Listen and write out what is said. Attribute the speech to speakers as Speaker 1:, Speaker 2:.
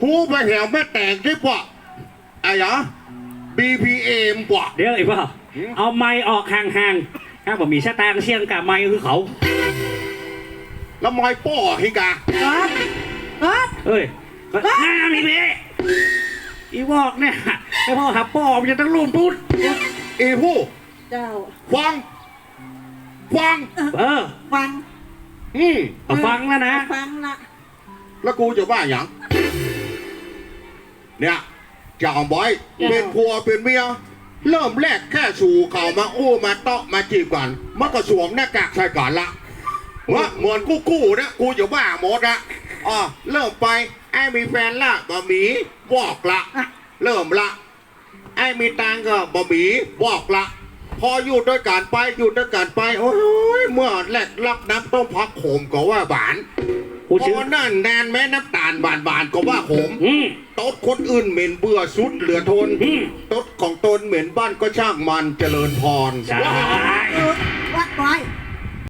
Speaker 1: หูไปแถวแม่แตกที่ปะไอ้เหรอ BPM ปะ
Speaker 2: เดี๋ยวไอ้พ่อเอาไม้ออกห่างๆถ้าผมมีชะตางเชียงกับไม้คือเขา
Speaker 1: แล้วมอยป้อฮิกา
Speaker 2: เอ้ยน้ามีเบ้อีวอกเนี่ยไอ้พ่อหับป้อมันจะต้องลุ่มปุ๊ด
Speaker 1: อีผู้
Speaker 3: เจ้า
Speaker 1: ฟัง
Speaker 3: ฟัง
Speaker 2: ฟังแล้วนะ
Speaker 3: ฟังละ
Speaker 1: แล้วกูจะว่าอย่างเนี่ยจะเอาบอยเป็นผัวเป็นเมียเริ่มแรกแค่ชูเขามาอู้มาเตาะมาจีบก่อนมันก็สวมหน้ากากใส่ก่อนละว่าเหมือนกู้นะกูจะว่าหมดอะอ๋อเริ่มไปไอ้มีแฟนละบะหมี่บอกละเริ่มละไอ้มีตังก็บะหมี่บอกละพออยู่ด้วยกันไปโอ้ยเมื่อแรกรับน้ำต้มพักโขมก็ว่าหวานพอนั่นแนนแม่น้ำตาลบานก็ว่าขมตดคนอื่นเหม็นเบื่อสุดเหลือทนตดของตนเหม็นบ้านก็ช่างมันเจริญพร
Speaker 2: ใช่
Speaker 3: วัดไว้